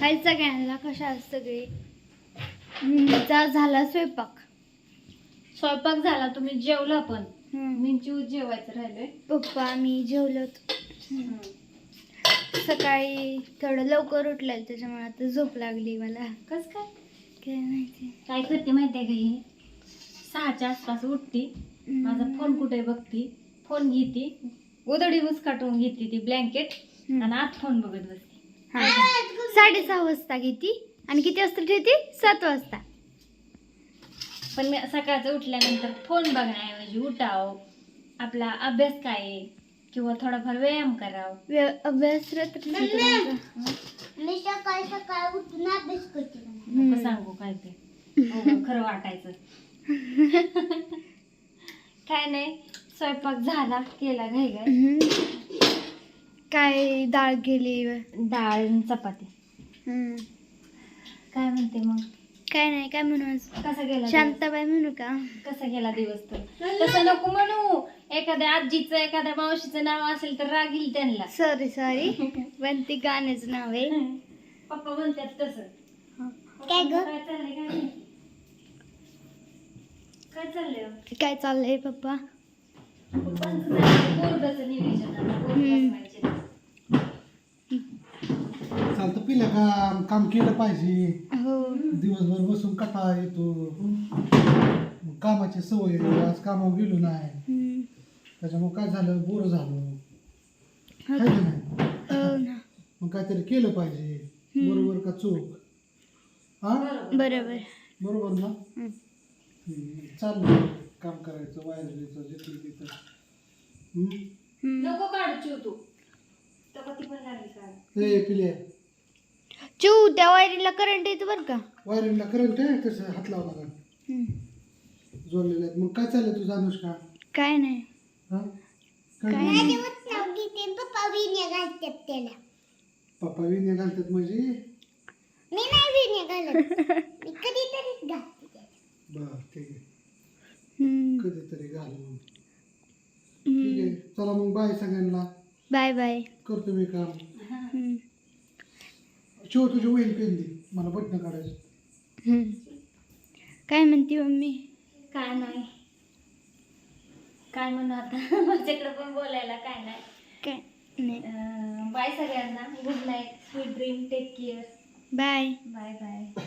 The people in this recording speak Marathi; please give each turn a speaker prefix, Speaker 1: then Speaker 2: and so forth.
Speaker 1: हाय सगळ्यांना, कशा आहात सगळे? झाला स्वयंपाक.
Speaker 2: स्वयंपाक झाला, तुम्ही जेवला पण.
Speaker 1: हम्म.
Speaker 2: मी जेवायचं राहिलंय.
Speaker 1: पप्पा मी जेवलो. सकाळी थोडं लवकर उठलेलं त्याच्यामुळे आता झोप लागली मला.
Speaker 2: कस काय
Speaker 1: काय माहिती.
Speaker 2: काय करते माहितीये का ही? 6च्या आसपास उठती, माझा फोन कुठे बघती, फोन घेती, उधडी काटून घेते ती ब्लँकेट आणि आत फोन बघत बसते.
Speaker 1: 6:30 वाजता घेती आणि किती वाजता ठेवती? 7 वाजता.
Speaker 2: पण मी सकाळचं उठल्यानंतर फोन बघण्याऐवजी उठाव, आपला अभ्यास काय आहे किंवा थोडाफार व्यायाम करावा.
Speaker 1: अभ्यास रात्री
Speaker 3: मी सकाळी सकाळी उठून अभ्यास करते.
Speaker 2: नको सांगू काय ते, खरं वाटायचं. काय नाही, स्वयंपाक झाला, केला घाई.
Speaker 1: काय डाळ केली?
Speaker 2: डाळ आणि चपाती. काय म्हणते मग?
Speaker 1: काय नाही, काय म्हणू आज?
Speaker 2: कसा गेला
Speaker 1: शांताबाई म्हणू का?
Speaker 2: कसा गेला दिवस? तर तसं नको म्हणू. एखाद्या आजीचं एखाद्या मावशीचं नाव असेल तर राग येईल त्यांना.
Speaker 1: सॉरी पण ते गाण्याचं नाव आहे.
Speaker 2: पप्पा म्हणतात तसं.
Speaker 3: काय ग?
Speaker 2: काय चाललंय काय नाही? काय चाललंय?
Speaker 1: काय चाललंय पप्पा?
Speaker 2: पप्पांचं झालं बोर्डाचं नियोजन आता, बोर्ड बसवायचे.
Speaker 4: चालतं पिलं काम केलं पाहिजे.
Speaker 1: हो.
Speaker 4: दिवसभर बसून कंटाळा येतो. मग कामाची सवय आहे. आज कामावर गेलो नाही, त्याच्यामुळे काय झालं, बोर झालो. है का नाही?
Speaker 1: हो ना.
Speaker 4: मग काहीतरी केलं पाहिजे. बरोबर का चूक? हा,
Speaker 1: बरोबर.
Speaker 4: बरोबर ना. चाललं काम करायचं, वायरचं जिथलं तिथं.
Speaker 2: नको काढू चिव तू. चपाती पण लागली काढ.
Speaker 4: ए पिले,
Speaker 1: चिऊ त्या वायरीला करंट येतो बरं का?
Speaker 4: वायरिंगला करंट आहे, तसं हात लावला का जोडलेलं आहे. मग काय चाललंय तुझं अनुष्का?
Speaker 1: काय नाही.
Speaker 4: हा,
Speaker 1: काय
Speaker 4: काय
Speaker 1: नाही.
Speaker 3: नाव घेते पप्पा विण्या घालतात त्याला.
Speaker 4: पप्पा विण्या घालतात म्हणजे?
Speaker 3: मी नाही विण्या घालत. मी कधीतरीच घालते त्याला.
Speaker 4: बर, ठीक आहे. कधीतरी घालून. ठीक आहे, चला मग बाय सगळ्यांना.
Speaker 1: Bye bye.
Speaker 4: करतो मी काम. शिव तुझी वहील पेन दे, मला बटणं काढायचं.
Speaker 1: काय म्हणते मम्मी?
Speaker 2: काय नाही, काय म्हणू आता. माझ्याकडे पण बोलायला काय नाही.
Speaker 1: काय नाही.
Speaker 2: बाय सगळ्यांना. Good night, sweet dream, take care.
Speaker 1: Bye.
Speaker 2: Bye bye.